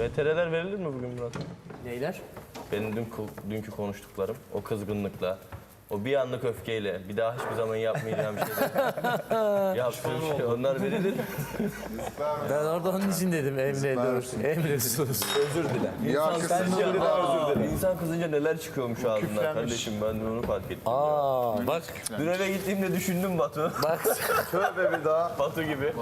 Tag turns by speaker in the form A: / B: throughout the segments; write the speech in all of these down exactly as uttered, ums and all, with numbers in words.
A: V T R'ler verilir mi bugün Murat?
B: Neyler?
A: Benim dün, dünkü konuştuklarım, o kızgınlıkla, o bir anlık öfkeyle, bir daha hiçbir zaman yapmayacağım şeyler. Yaptığım şey, onlar verilir.
B: Ben orada onun için dedim Emre dur. Emre sus.
C: Özür dile.
A: İnsan kızınca, aa, insan kızınca neler çıkıyormuş ağzından kardeşim, ben de onu fark ettim.
B: Aa bak
A: Dün eve gittiğimde düşündüm Batu.
B: bak.
C: Tövbe bir daha.
A: Batu gibi.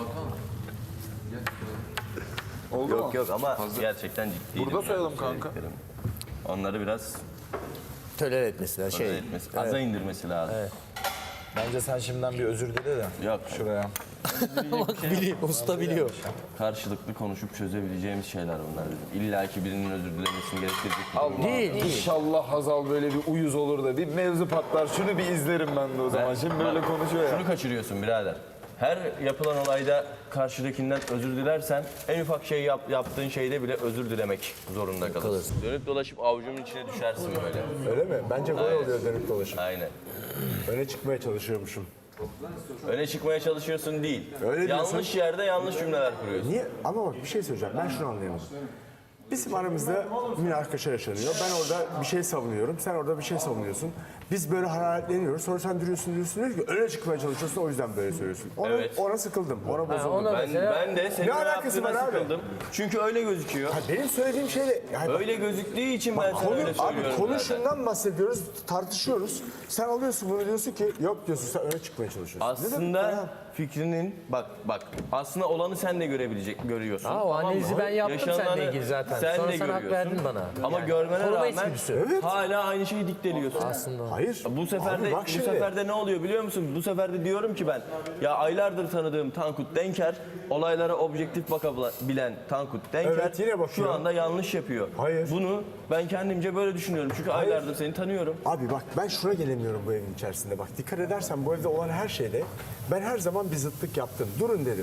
C: Oldu
A: Yok
C: mu?
A: yok ama gerçekten ciddiydim.
C: Burada sayalım kanka.
A: Onları biraz
B: Töler etmesiler
A: şey
B: şey.
A: etmesi, aza indirmesi lazım.
B: Evet.
D: Bence sen şimdiden bir özür dile de.
A: Yok,
D: Şuraya.
B: Bak biliyor, usta biliyor.
A: karşılıklı konuşup çözebileceğimiz şeyler bunlar dedim. İlla ki birinin özür dilemesini gerektirecek bir durum değil.
B: Değil değil.
C: İnşallah Hazal böyle bir uyuz olur da bir mevzu patlar. Şunu bir izlerim ben de o zaman. Şimdi böyle konuşuyor ya.
A: Şunu kaçırıyorsun birader. Her yapılan olayda karşıdakinden özür dilersen en ufak şey yap, yaptığın şeyde bile özür dilemek zorunda kalırsın. Dönüp dolaşıp avucumun içine düşersin böyle.
D: Öyle mi? Bence gol oluyor dönüp dolaşıp.
A: Aynen.
D: Öne çıkmaya çalışıyormuşum.
A: Öne çıkmaya çalışıyorsun değil.
D: Öyle diyorsun.
A: Yanlış yerde yanlış cümleler kuruyorsun.
D: Niye? Ama bak bir şey söyleyeceğim. Ben şunu anlayamadım. Bizim aramızda münakaşa yaşanıyor. Ben orada bir şey savunuyorum. Sen orada bir şey savunuyorsun. Biz böyle hararetleniyoruz. Sonra sen duruyorsun diyorsun diyor ki öne çıkmaya çalışıyorsun. O yüzden böyle söylüyorsun. Ona,
A: Evet.
D: ona sıkıldım. Ona bozuldum.
B: ona-
A: Ben,
B: Mesela-
A: ben de senin
D: Ne alakası
A: yaptığına
D: var abi?
A: sıkıldım. Çünkü öyle gözüküyor.
D: Ha, benim söylediğim şeyle... Yani
A: Öyle gözüktüğü için ben sana
D: konu,
A: öyle
D: abi
A: söylüyorum
D: konu
A: zaten.
D: şundan bahsediyoruz, tartışıyoruz. Sen alıyorsun bunu diyorsun ki yok diyorsun sen öne çıkmaya çalışıyorsun. Ne demek ya?
A: Aslında fikrinin bak bak aslında olanı sen de görebilecek görüyorsun.
B: Aa, o
A: tamam mı?
B: analizi ben yaptım
A: Yaşananı
B: seninle ilgili zaten.
A: Sen
B: Sonra
A: de
B: sen hak
A: görüyorsun.
B: verdin bana.
A: Ama
B: Yani
A: görmene
B: koruma
A: rağmen
B: içgüdüsü.
D: Evet.
A: hala aynı şeyi dikteliyorsun.
B: Aslında.
D: Hayır.
A: Bu sefer
D: Abi
A: de
D: bak
A: bu
D: şimdi.
A: sefer de ne oluyor biliyor musun? Bu sefer de diyorum ki ben ya aylardır tanıdığım Tankut Denker olaylara objektif bakabilen Tankut Denker
D: Evet, yine bakıyor.
A: şu anda yanlış yapıyor.
D: Hayır.
A: Bunu ben kendimce böyle düşünüyorum. Çünkü aylardır seni tanıyorum.
D: Abi bak ben şuna gelemiyorum bu evin içerisinde. Bak dikkat edersen bu evde olan her şeyde ben her zaman bir zıtlık yaptım. Durun dedim.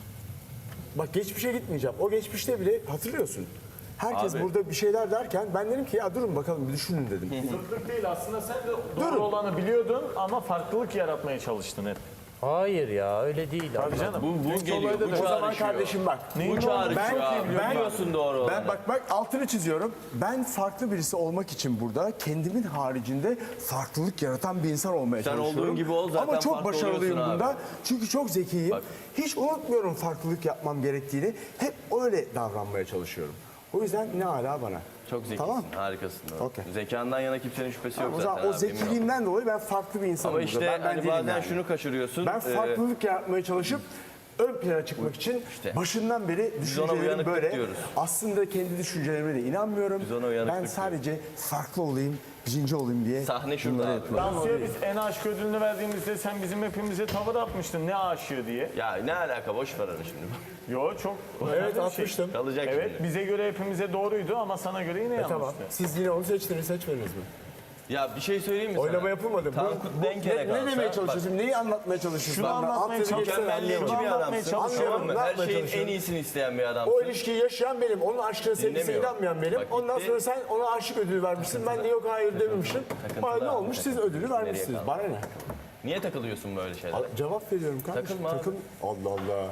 D: Bak geçmişe gitmeyeceğim. O geçmişte bile hatırlıyorsun. Herkes
A: Abi.
D: burada bir şeyler derken ben dedim ki ya durun bakalım bir düşünün dedim.
E: Zıtlık değil aslında sen de doğru
D: Durun.
E: olanı biliyordun ama farklılık yaratmaya çalıştın hep.
B: Hayır ya öyle değil.
E: Tabii canım.
A: Bu, bu
E: Dünkü
A: geliyor.
E: olayda
A: Bu
E: da-
D: O zaman
A: çağrışıyor.
D: kardeşim bak.
A: Bu çağrışıyor
D: Ben-
A: abi.
D: ben-
A: Biliyorsun doğru
D: Ben
A: olanı.
D: bak bak altını çiziyorum. Ben farklı birisi olmak için burada kendimin haricinde farklılık yaratan bir insan olmaya
A: Sen
D: çalışıyorum.
A: olduğun gibi ol, zaten
D: Ama çok
A: farklı
D: başarılıyım
A: oluyorsun
D: bunda.
A: abi.
D: Çünkü çok zekiyim.
A: Bak.
D: Hiç unutmuyorum farklılık yapmam gerektiğini. Hep öyle davranmaya çalışıyorum. O yüzden ne ala bana.
A: Çok zekisin,
D: Tamam.
A: harikasın. Doğru.
D: Okey.
A: Zekandan yana kimsenin şüphesi yok
D: O
A: zaten.
D: zaman o
A: abi, emin ol.
D: zekiliğimden dolayı ben farklı bir insanım
A: Ama
D: burada.
A: işte
D: ben, ben
A: hani
D: değilim
A: bazen
D: yani.
A: şunu kaçırıyorsun.
D: Ben
A: Ee,
D: farklılık yaratmaya çalışıp ön plana çıkmak için
A: İşte.
D: başından beri
A: ona
D: düşüncelerim
A: uyanıklık
D: böyle.
A: diyoruz.
D: Aslında kendi düşüncelerime de inanmıyorum.
A: Biz ona uyanıklık
D: Ben sadece farklı olayım, birinci olayım diye.
A: Sahne şurada abi.
E: Tansu'ya biz en aşık ödülünü verdiğimizde sen bizim hepimize tavır atmıştın ne aşığı diye.
A: Ya ne alaka, boş ver onu şimdi.
E: Yo çok
D: Evet
E: önemli bir şey.
D: atmıştım.
A: Kalacak
E: Evet
A: şimdi.
E: bize göre hepimize doğruydu ama sana göre yine yanlıştı.
D: Tamam. Siz yine onu seçtiniz, seçmediniz mi?
A: Ya bir şey söyleyeyim mi sana?
D: Oylama yapılmadı. Bu-
A: Tankut
D: bu-
A: Denker'e
D: ne, ne
A: kalsa,
D: demeye
A: bak,
D: çalışıyorsun? Neyi anlatmaya çalışıyorsun?
E: Şunu
D: Ben-
E: anlatmaya
D: alt yazı
E: çalışıyorum.
D: geçsene
A: Mükemmelliyetçi
D: anlayamadım.
A: bir
E: anlatmaya
A: adamsın.
E: çalışıyorum.
A: Tamam mı?
D: Ne
A: Her
D: yapmaya
A: şeyin en
D: çalışıyorsun?
A: iyisini isteyen bir adamsın.
D: O ilişkiyi yaşayan benim, onun aşkına sevgisine
A: Dinlemiyor.
D: inanmayan benim.
A: Bak
D: Ondan
A: gitti.
D: sonra sen ona aşık ödülü vermişsin. Ben de yok hayır dememişim. Bana ne
A: abi,
D: olmuş? Siz ödülü vermişsiniz.
A: kaldı?
D: Bana ne?
A: Niye takılıyorsun böyle şeylere?
D: Al- Cevap veriyorum kardeşim.
A: Takılma abi.
D: Takıl. Allah Allah.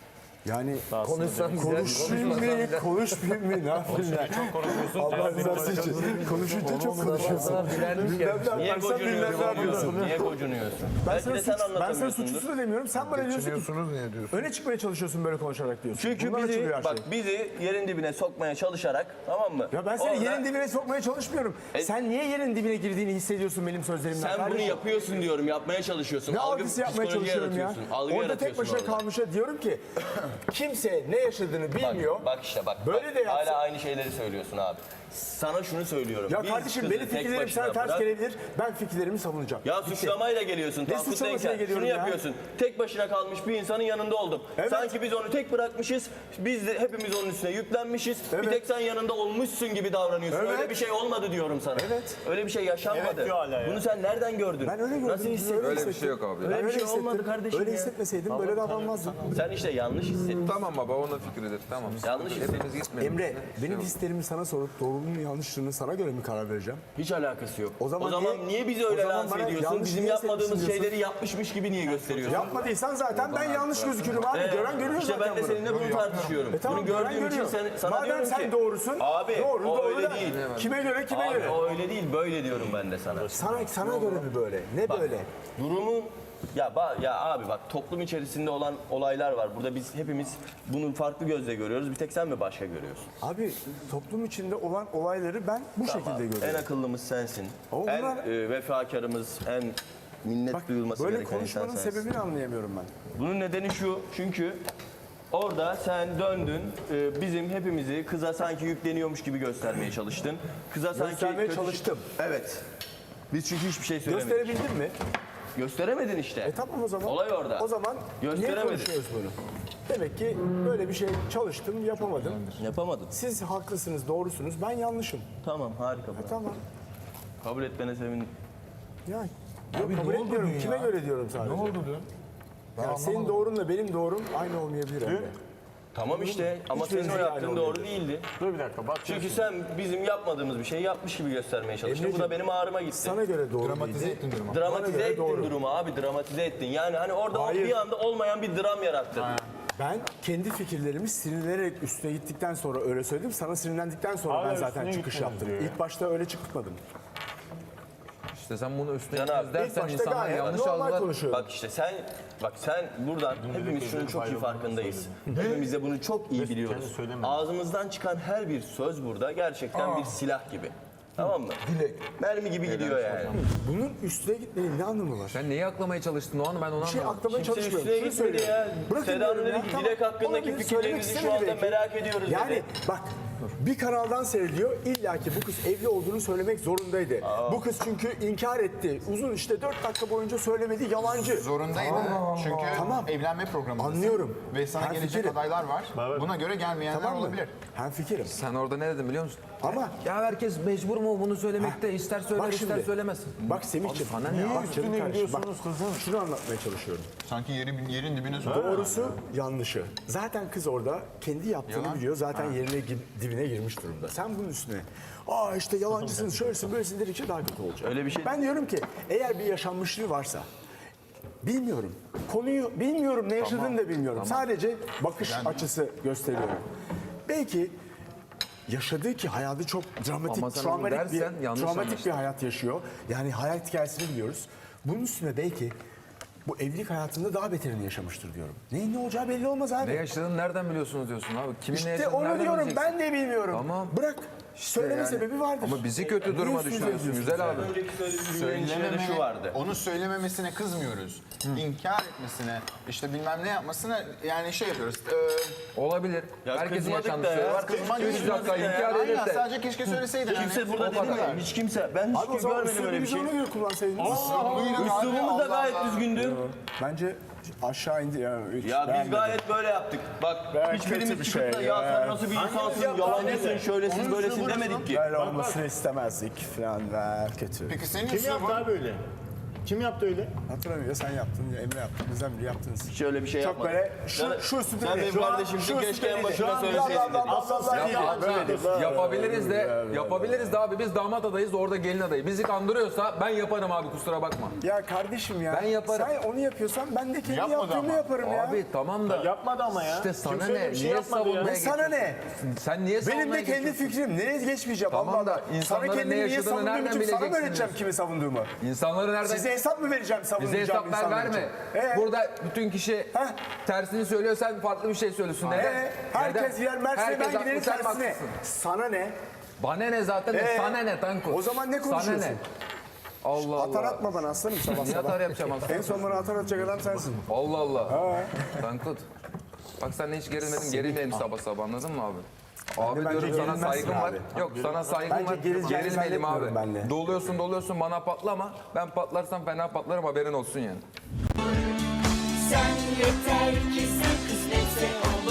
D: Yani
B: Konuşsan güzel.
D: konuşayım mı, konuşmayayım mı, ne yapayım ya? Allah rızası için. Konuşunca çok konuşuyorsun.
B: Sana bilenmiş
D: Bilmem
B: gelmiş.
D: ne
A: Niye
D: yaparsan bilmem ne yapıyorsun.
A: gocunuyorsun? Niye gocunuyorsun?
D: Ben
A: Belki
D: sana,
A: de sen
D: suç, ben sana
A: anlatamıyorsundur.
D: suçlusu da demiyorum. Sen bana diyorsun ki
C: Geçiniyorsunuz niye diyorsun?
D: öne çıkmaya çalışıyorsun böyle konuşarak diyorsun.
A: Çünkü
D: Bundan
A: bizi,
D: açılıyor her
A: bak
D: şey.
A: bizi yerin dibine sokmaya çalışarak, tamam mı?
D: Ya ben seni
A: Orada
D: yerin dibine sokmaya çalışmıyorum.
A: E-
D: Sen niye yerin dibine girdiğini hissediyorsun benim sözlerimden
A: Sen bunu
D: kardeşim?
A: yapıyorsun diyorum, yapmaya çalışıyorsun.
D: Ne
A: Algı,
D: algısı yapmaya
A: psikoloji
D: çalışıyorum ya?
A: yaratıyorsun, Algı
D: Orada tek
A: yaratıyorsun
D: başına
A: orada.
D: kalmışa diyorum ki kimse ne yaşadığını bilmiyor.
A: Bak, bak işte bak.
D: Böyle
A: bak,
D: de yapsa-
A: hala aynı şeyleri söylüyorsun abi. Sana şunu söylüyorum.
D: Ya
A: biz
D: kardeşim
A: kızı
D: benim
A: tek
D: fikirlerim sana
A: başına
D: ters
A: bırak.
D: gelebilir. Ben fikirlerimi savunacağım.
A: Ya
D: Bitti.
A: suçlamayla geliyorsun. Tankut
D: suçlamasına
A: Denker.
D: geliyorum
A: Şunu
D: ya?
A: yapıyorsun. Tek başına kalmış bir insanın yanında oldum.
D: Evet.
A: Sanki biz onu tek bırakmışız. Biz de hepimiz onun üstüne yüklenmişiz.
D: Evet.
A: Bir tek sen yanında olmuşsun gibi davranıyorsun.
D: Evet.
A: Öyle bir şey olmadı diyorum sana.
D: Evet.
A: Öyle bir şey yaşanmadı.
E: Evet diyor hala ya.
A: Bunu sen nereden gördün?
D: Ben öyle gördüm.
A: Nasıl hissettin?
D: Öyle
C: Öyle bir
D: hissettim.
C: şey yok abi.
A: Öyle
D: Ben
A: bir şey
D: hissettim.
A: olmadı kardeşim
D: Öyle
A: ya.
D: hissetmeseydim böyle davranmazdım.
A: Sen işte yanlış hissettin. hissettin.
F: Tamam baba onun fikridir. Tamam.
A: Yanlış hissettin.
F: Hepimiz gitmeyelim.
D: Emre,
F: Şey
D: benim
F: yok.
D: hislerimi sana sorup doğruluğunu yanlışlığını sana göre mi karar vereceğim?
A: Hiç alakası yok.
D: O zaman
A: niye,
D: niye-
A: bizi
D: o
A: öyle
D: zaman
A: lanse
D: bana
A: ediyorsun?
D: yanlış
A: Bizim
D: niye
A: yapmadığımız
D: hissetmişsin
A: şeyleri yapmışmış gibi niye gösteriyorsun?
D: Yapmadıysan zaten ben yanlış gözükürüm abi.
A: Ee,
D: Gören görüyor
A: işte
D: zaten
A: ben de
D: bunu.
A: seninle bunu tartışıyorum.
D: E tamam,
A: bunu
D: gören
A: gördüğüm için
D: görüyor.
A: sen, sana
D: Madem
A: diyorum
D: sen
A: ki...
D: doğrusun,
A: Abi
D: doğru,
A: o
D: doğru
A: öyle
D: da
A: değil.
D: kime göre, kime
A: Abi
D: göre?
A: o öyle değil, böyle diyorum ben de sana.
D: Sana, sana göre mi böyle? Ne böyle?
A: Durumun ya ba- ya abi bak toplum içerisinde olan olaylar var. Burada biz hepimiz bunu farklı gözle görüyoruz. Bir tek sen mi başka görüyorsun?
D: Abi toplum içinde olan olayları ben bu şekilde
A: En
D: görüyorum.
A: akıllımız sensin.
D: Ama
A: en
D: bunlar-
A: e, vefakarımız, en minnet
D: Bak
A: duyulması
D: böyle
A: gereken insan
D: konuşmanın
A: sensin.
D: sebebini anlayamıyorum ben.
A: Bunun nedeni şu, çünkü orada sen döndün, e, bizim hepimizi kıza sanki yükleniyormuş gibi göstermeye çalıştın. Kıza sanki
D: Göstermeye
A: kötü-
D: çalıştım.
A: Evet. Biz çünkü hiçbir şey söylemedik.
D: Gösterebildin mi?
A: Gösteremedin işte.
D: E tamam o zaman.
A: Olay orada.
D: O zaman niye
A: Gösteremedin.
D: konuşuyoruz bunu? Demek ki böyle bir şey çalıştım, yapamadım.
A: Yapamadın.
D: Siz haklısınız, doğrusunuz. Ben yanlışım.
A: Tamam, harika. bravo.
D: Tamam.
A: Kabul etmene sevindim.
D: Ya yok, kabul etmiyorum. Kime göre diyorum sadece. Ne oldu diyor? Yani senin doğrunla benim doğrum aynı olmayabilir Emre.
A: Tamam işte ama
D: Hiçbirimiz
A: senin o
D: aynı
A: yaptığın doğru
D: olmuyor.
A: değildi.
E: Dur bir dakika bak.
A: Çünkü sen bizim yapmadığımız bir şeyi yapmış gibi göstermeye çalıştın. Bu da
D: Emreciğim,
A: benim ağrıma gitti.
D: Sana göre doğru Dramatize ettin durumu.
A: Dramatize ettin
D: doğru.
A: durumu abi, dramatize ettin. Yani hani orada o
D: Hayır.
A: bir anda olmayan bir dram yarattın.
D: Ben kendi fikirlerimi sinirlenerek üstüne gittikten sonra öyle söyledim. Sana sinirlendikten sonra
E: Hala
D: ben zaten
E: üstüne
D: çıkış
E: gitmedin
D: yaptım.
E: diyor ya.
D: İlk başta öyle çıkmadım.
F: İşte sen bunu üstüne
A: Can abi,
F: gitmez
D: İlk
F: dersen
D: başta
F: insanlar
D: gayet
F: yanlış
D: normal
F: algılar.
D: konuşuyorum.
A: Bak işte sen, bak sen buradan hepimiz şunun çok iyi farkındayız. Hepimiz de bunu çok iyi biliyoruz. Ağzımızdan çıkan her bir söz burada gerçekten bir silah gibi. Tamam mı? Mermi gibi gidiyor yani.
D: Bunun üstüne gitmenin ne anlamı var?
F: Sen neyi aklamaya çalıştın o an ben onu
D: Bir şey
F: anlamadım.
D: aklamaya
A: Kimse
D: çalışmıyorum.
A: üstüne
D: Şunu
A: gitmedi
D: söylüyorum.
A: ya.
D: Bırakın
A: Seda'nın
D: diyorum
A: dedi
D: ya,
A: ki
D: tamam.
A: Dilek hakkındaki
D: Olabilir,
A: fikirlerinizi
D: söylemek
A: şu anda
D: istemedi belki.
A: merak ediyoruz
D: Yani
A: dedi.
D: bak bir kanaldan seyrediyor. İlla ki bu kız evli olduğunu söylemek zorundaydı. Bu kız çünkü inkar etti. Uzun işte dört dakika boyunca söylemedi. Yalancı.
G: Zorundaydı. Çünkü
D: Tamam.
G: evlenme programındasın.
D: Anlıyorum.
G: Ve sana
D: Ben
G: gelecek
D: fikirim.
G: adaylar var. Buna göre gelmeyenler
D: Tamam mı?
G: olabilir.
D: Hem fikirim.
F: Sen orada ne dedin biliyor musun?
D: Ama
F: Ya herkes mecbur mu bunu söylemekte? İster söyler
D: bak
F: ister
D: şimdi.
F: söylemesin.
D: Bak Semih'ciğim.
F: Abi sana ne
D: niye
F: ya?
D: bak canım
E: Üstüne
D: kardeşim, bak,
E: gidiyorsunuz kızın.
D: şunu anlatmaya çalışıyorum.
G: Sanki yeri, yerin dibine sokuyor.
D: Doğrusu yanlışı. Zaten kız orada kendi yaptığını
G: Yalan.
D: biliyor. Zaten yerine gi- dibine girmiş durumda. Sen bunun üstüne aa işte yalancısın, şöylesin, böylesin dedikçe daha kötü olacak.
A: Öyle bir şey-
D: Ben diyorum ki eğer bir yaşanmışlığı varsa bilmiyorum. Konuyu bilmiyorum, ne yaşadığını da bilmiyorum. Sadece bakış açısı gösteriyorum. Belki yaşadığı ki hayatı çok dramatik,
F: Ama sen
D: travmatik
F: onu dersen
D: bir,
F: yanlış
D: travmatik
F: anlaştın.
D: bir hayat yaşıyor. Yani hayat hikayesini biliyoruz. Bunun üstüne belki bu evlilik hayatında daha beterini yaşamıştır diyorum. Neyin ne olacağı belli olmaz abi.
F: Ne yaşadığını nereden biliyorsunuz diyorsun abi? Kimin ne
D: İşte
F: yaşadığını
D: onu
F: nereden
D: diyorum,
F: bileceksin?
D: ben de bilmiyorum.
F: Tamam.
D: Bırak. Söyleme
F: yani.
D: sebebi vardır.
F: Ama bizi kötü
D: Niye
F: duruma
D: üstünüze
F: düşürüyorsun
D: gidiyorsunuz
F: güzel
D: yani?
F: abi.
A: Önceki söylediğim cümlenin içinde de
G: Söylememe,
A: şu vardı.
G: onu söylememesine kızmıyoruz. İnkar etmesine, işte bilmem ne yapmasına yani şey yapıyoruz. E,
F: Olabilir.
A: Ya
F: Herkesin
A: kızmadık
F: yaşandığı
A: da
F: şey
A: ya.
F: var.
G: kızmak
F: Üç
G: kızmadık
F: dakika
A: da ya.
F: inkar
G: aynen
F: edip de.
G: sadece keşke söyleseydin.
A: Kimse
G: hani.
A: burada
F: o
A: dedi mi?
F: kadar.
A: Hiç kimse. Ben hiç
D: Abi o zaman
A: görmedim öyle bir
D: üslubumuzu
A: şey.
D: ona göre kullansaydınız.
A: Üslubumuz da gayet düzgündü.
D: Bence aşağı indi. Yani hiç
A: Ya biz
D: beğenmedim.
A: gayet böyle yaptık. Bak
D: Gayet
A: hiçbirimiz
D: kötü bir
A: çıkıp da
D: şey
A: ya
D: ya.
A: sen nasıl bir insansın, yalancısın, şöylesin,
G: Onun
A: böylesin
G: üslubu
A: demedik ki.
D: Böyle olmasını istemezdik falan ver kötü.
G: Peki senin
E: Kim yaptı
G: üslubun-
E: abi öyle? Kim yaptı öyle?
D: Hatırlamıyor ya sen yaptın ya Emre yaptı. Bizden biri yaptınız.
A: Şöyle bir şey
D: Çok
A: yapmadık.
D: böyle şu,
A: Sen-
D: şu üstüne
A: Sen benim kardeşimsin, keşke en başına söyleseydin dedim.
F: Yapabiliriz de, yapabiliriz de abi biz damat adayız orada gelin adayı. Bizi kandırıyorsa ben yaparım abi kusura bakma.
D: Ya kardeşim ya.
F: Ben yaparım.
D: Sen onu yapıyorsan ben de kendi
G: Yapmadı
D: yaptığımı
G: ama.
D: yaparım ya.
F: Abi tamam da.
E: Yapmadı ama ya.
F: İşte sana
E: Kimse öyle
F: ne?
E: bir şey
F: Niye
E: yapmadı ya.
F: savunmaya
D: Ne sana ne?
F: geçiyorsun? Sen niye savunmaya
D: Benim de kendi
F: geçiyorsun?
D: fikrim. Nereye geçmeyeceğim
F: Tamam
D: Allah
F: da
D: Allah. Sana
F: insanların ne
D: kendimi niye
F: yaşadığını
D: savunduğum
F: nereden
D: için sana mı
F: bileceksin
D: öğreteceğim
F: diyorsun?
D: kimi savunduğumu?
F: İnsanları nereden...
D: Size hesap mı vereceğim
F: Bize
D: savunacağım
F: hesap ver
D: insanlar
F: verme.
D: için? Ee?
F: Burada bütün kişi
D: Heh.
F: tersini söylüyor sen farklı bir şey söylüyorsun. Neden?
D: Ee, herkes
F: Neden?
D: yer Mersin'e
F: Herkes
D: ben
F: haklı,
D: giderim
F: sen
D: tersine.
F: haklısın.
D: Sana ne?
F: Bana ne zaten de
D: Ee?
F: sana ne Tankut?
D: O zaman ne konuşuyorsun?
F: Sana ne? Allah
D: Atar
F: Allah.
D: atma bana aslanım sabah
F: Niye
D: sabah.
F: atar yapacağım aslanım?
D: En son bana atar atacak adam sensin.
F: Allah Allah. Tankut. Bak sen hiç gerilmedin, gerilmeyelim sabah sabah anladın mı abi? Abi
D: bence
F: diyorum sana
D: gerilmezsin
F: saygım var.
D: abi.
F: Yok sana saygım
D: Bence
F: var.
D: gerileceğini
F: Gerilmeyelim abi.
D: zannetmiyorum ben de.
F: Doluyorsun doluyorsun bana patlama. Ben patlarsam fena patlarım haberin olsun yani.
H: Sen yeter ki sen kısmetse ol.